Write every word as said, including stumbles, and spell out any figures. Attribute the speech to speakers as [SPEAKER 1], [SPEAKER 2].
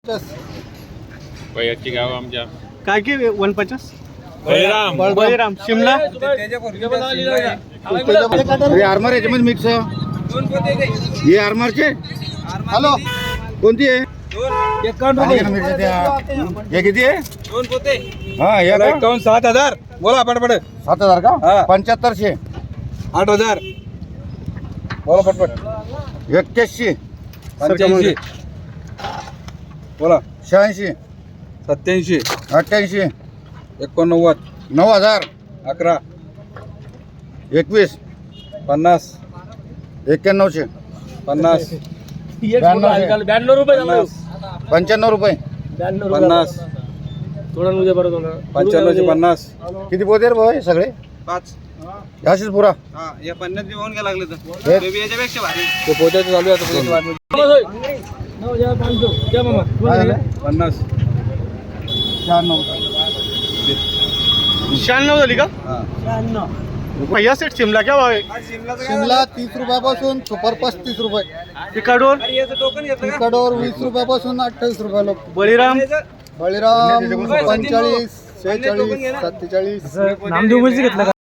[SPEAKER 1] वयाची गाव आमच्या
[SPEAKER 2] काय की वन पचास
[SPEAKER 1] बळीराम
[SPEAKER 2] बळीराम शिमला
[SPEAKER 3] हे आर्मर याच्यामध्ये मिक्स हे आर्मरचे हॅलो कोणती आहे हे किती आहे हा हे का?
[SPEAKER 4] एकावन्न सात हजार बोला पटपट
[SPEAKER 3] सात हजार
[SPEAKER 4] हा.
[SPEAKER 3] का पंच्याहत्तरशे
[SPEAKER 4] आठ हजार बोला पटपट
[SPEAKER 3] एक्क्याऐंशी
[SPEAKER 4] पंच्याऐंशी बोला
[SPEAKER 3] शहाऐंशी
[SPEAKER 4] सत्याऐंशी
[SPEAKER 3] अठ्ठ्याऐंशी
[SPEAKER 4] एकोणनव्वद
[SPEAKER 3] नऊ हजार
[SPEAKER 4] अकरा
[SPEAKER 3] एकवीस
[SPEAKER 4] पन्नास
[SPEAKER 3] एक्क्याण्णवशे
[SPEAKER 4] पन्नास
[SPEAKER 3] ब्याण्णवशे
[SPEAKER 2] ब्याण्णव रुपये
[SPEAKER 4] पन्नास
[SPEAKER 3] पंच्याण्णव रुपये
[SPEAKER 4] पन्नास पंच्याण्णवशे पन्नास
[SPEAKER 3] किती पोते रे भाऊ हे सगळे
[SPEAKER 4] पाच
[SPEAKER 3] अशीच पुरा
[SPEAKER 4] हा या पन्नास बी होऊन गेला लागले
[SPEAKER 3] हे-
[SPEAKER 4] तर याच्यापेक्षा भारी ते पोचायचं चालू आहे आता
[SPEAKER 3] काय झालं?
[SPEAKER 4] पन्नास
[SPEAKER 3] शहाण्णव
[SPEAKER 2] शहाण्णव झाली का
[SPEAKER 4] हा
[SPEAKER 2] भैया सेट शिमला क्या भाव आहे
[SPEAKER 3] शिमला तीस रुपयापासून सुपर पस्तीस रुपये
[SPEAKER 2] पिकाडोर
[SPEAKER 3] तिकडवर वीस रुपयापासून अठ्ठावीस रुपयाला
[SPEAKER 2] बळीराम
[SPEAKER 3] बळीराम पंचेचाळीस शेहेचाळीस सत्तेचाळीस
[SPEAKER 2] नामदेव घेतलं का